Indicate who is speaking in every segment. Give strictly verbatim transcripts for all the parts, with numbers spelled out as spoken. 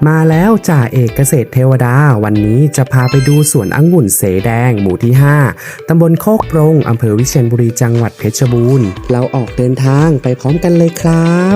Speaker 1: มาแล้วจ่าเอกเกษตรเทวดาวันนี้จะพาไปดูสวนองุ่นเสแดงหมู่ที่ห้าตำบลโคกปรงอำเภอวิเชียรบุรีจังหวัดเพชรบูรณ์เราออกเดินทางไปพร้อมกันเลยครับ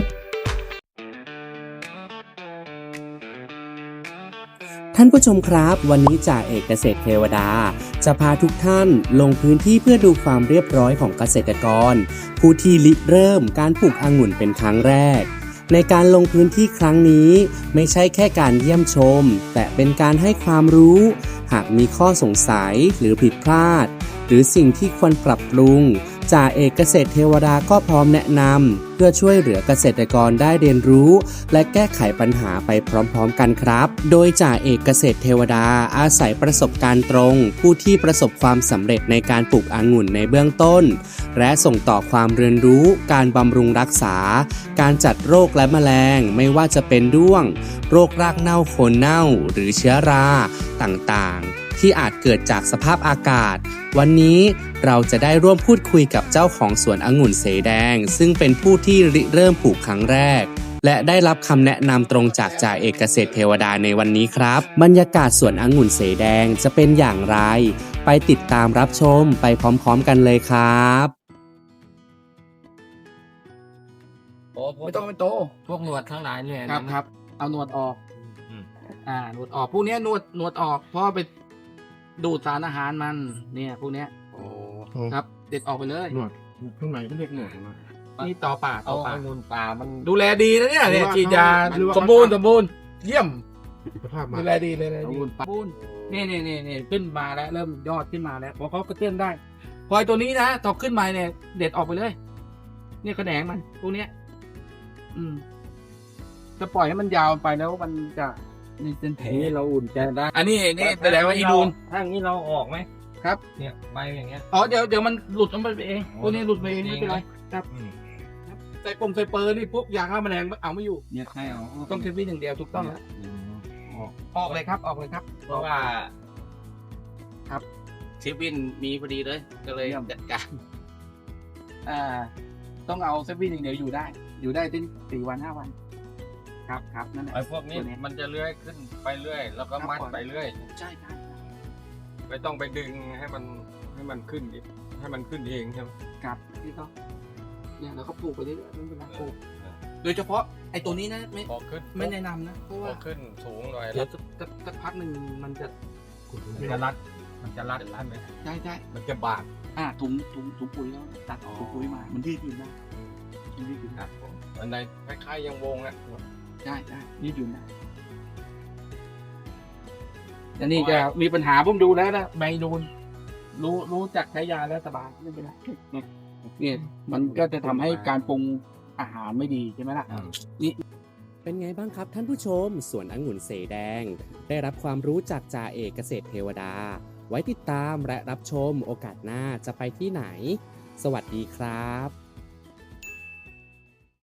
Speaker 1: ท่านผู้ชมครับวันนี้จ่าเอกเกษตรเทวดาจะพาทุกท่านลงพื้นที่เพื่อดูความเรียบร้อยของเกษตรกรผู้ที่ริเริ่มการปลูกองุ่นเป็นครั้งแรกในการลงพื้นที่ครั้งนี้ไม่ใช่แค่การเยี่ยมชมแต่เป็นการให้ความรู้หากมีข้อสงสัยหรือผิดพลาดหรือสิ่งที่ควรปรับปรุงจ่าเอกเกษตรเทวดาก็พร้อมแนะนำเพื่อช่วยเหลือเกษตรกรได้เรียนรู้และแก้ไขปัญหาไปพร้อมๆกันครับโดยจ่าเอกเกษตรเทวดาอาศัยประสบการณ์ตรงผู้ที่ประสบความสำเร็จในการปลูกองุ่นในเบื้องต้นและส่งต่อความเรียนรู้การบำรุงรักษาการจัดโรคและแมลงไม่ว่าจะเป็นด้วงโรครากเน่าโคนเน่าหรือเชื้อราต่างๆที่อาจเกิดจากสภาพอากาศวันนี้เราจะได้ร่วมพูดคุยกับเจ้าของสวนองุ่นเสแดงซึ่งเป็นผู้ที่ริเริ่มปลูกครั้งแรกและได้รับคำแนะนำตรงจากจ่าเอกเกษตรเทวดาในวันนี้ครับบรรยากาศสวนองุ่นเสแดงจะเป็นอย่างไรไปติดตามรับชมไปพร้อมๆกันเลยครับ
Speaker 2: ไม่ต้องเป็นโต
Speaker 3: พวกหนวดทั้งหลายเนี่ย
Speaker 2: ครับครับเอาหนวดออก
Speaker 3: อืม
Speaker 2: อ่าหนวดออกพวกเนี้ยหนวดหนวดออกเพราะไปดูดสารอาหารมันเนี่ยพวกเนี้ย
Speaker 3: โอ้
Speaker 2: ครับเด็ดออกไปเลย
Speaker 4: หนวดข้างในก็เรียกหนวดนะ
Speaker 2: นี่ต่อป่าต่
Speaker 3: เอา
Speaker 2: อป่า
Speaker 3: องุ่นป่ามัน
Speaker 2: ดูแลดีนะเนี่ยเนี่ย
Speaker 4: หรือว่า
Speaker 2: ฉีดยา
Speaker 4: หรือว่า
Speaker 2: สมบูรณ์สมบูรณ์เยี่ยม
Speaker 4: สภาพมา
Speaker 2: ดูแลดีเลยนะ
Speaker 4: เอาวุ้น
Speaker 2: สมบูรณ์นี่นี่นี่นี่ขึ้นมาแล้วเริ่มยอดขึ้นมาแล้วพอเขากระเตื้องได้พอไอ้ตัวนี้นะตอกขึ้นมาเนี่ยเด็ดออกไปเลย เนี่ยแขนงมันพวกเนี้ย อืมจะปล่อยให้มันยาวไปแล้วมันจะมีเป็นแผล
Speaker 3: นี่เราอุ่นใจได้
Speaker 2: อันนี้นี่แสดงว่าอีนูน
Speaker 3: ถ้าอย่างนี้เราออกไหม
Speaker 2: ครับ
Speaker 3: เนี่ยใบอย่างเงี้ย
Speaker 2: อ๋อเดี๋ยวเดี๋ยวมันหลุดออกไปเอง
Speaker 3: อ๋อ
Speaker 2: พวกนี้หลุดไปเอง
Speaker 3: จริ
Speaker 2: ไม่
Speaker 3: ง
Speaker 2: เป็นไร
Speaker 3: นะครับ อืม
Speaker 2: ใส่ปมใส่เปอร์นี่พวกยาฆ่าแมลงเอาไม่อยู่
Speaker 3: เนี่ยให้เอา
Speaker 2: ต้องเทปวินอย่างเดียวถูกต้องแล้ว
Speaker 3: อืมออก
Speaker 2: ออกเลยครับออกเลยครับ
Speaker 3: เพราะว่า
Speaker 2: เทปวินมีพอดีเลยก็เลยจัดการอ่าต้องเอาเทปวินอย่างเดียวอยู่ได้ อยู่ได้ถึงสี่วันห้าวัน ครับครับนั่นแหละ
Speaker 3: ไอ้พวกนี้
Speaker 2: ตัวนี้
Speaker 3: มันจะเลื้อยขึ้นไปเรื่อย แล้วก็มัดไปเรื่อย
Speaker 2: ใช่ครับ
Speaker 3: ไม่ต้องไปดึงให้มันให้มันขึ้นดิให้มันขึ้นเองใช่ไหม
Speaker 2: ครับที่เขาเนี่ยเราก็ปลูกไปเรื่อยๆไม่เป็นไรปลูก
Speaker 3: เออ
Speaker 2: โดยเฉพาะไอ้ตัวนี้นะไม่
Speaker 3: พอขึ้น
Speaker 2: ไม่แนะนำนะเพราะ
Speaker 3: พ
Speaker 2: ว่า
Speaker 3: อขึ้นสูงหน่อย
Speaker 2: เดี๋
Speaker 3: แล้
Speaker 2: ยว วสักสักสักพักหนึ่งมันจะ
Speaker 3: มันจะรัด มันจะรัดรัดไหม
Speaker 2: ใช่ใช่
Speaker 3: มันจะบาด
Speaker 2: อ่าถุงถุงถุงปุ๋ยแล้วตัดถุงปุ๋ยมา มันยืดหยุ่นได้มันยืดหยุ่น
Speaker 3: ค
Speaker 2: ได้
Speaker 3: รับผมอันใดคล้ายๆยังวงอ่ะ
Speaker 2: ใช่ใช่ยืดหยุ่นได้แต่นี่จะมีปัญหาผมดูแล้วนะใบนูนรู้รู้จักใช้ยาแล้วสบายไม่เป็นไรเนี่ยมันก็จะทำให้การปรุงอาหารไม่ดีใช่ไหมล่ะ
Speaker 1: เป็นไงบ้างครับท่านผู้ชมสวนองุ่นเสแดงได้รับความรู้จากจ่าเอกเกษตรเทวดาไว้ติดตามและรับชมโอกาสหน้าจะไปที่ไหนสวัสดีครับ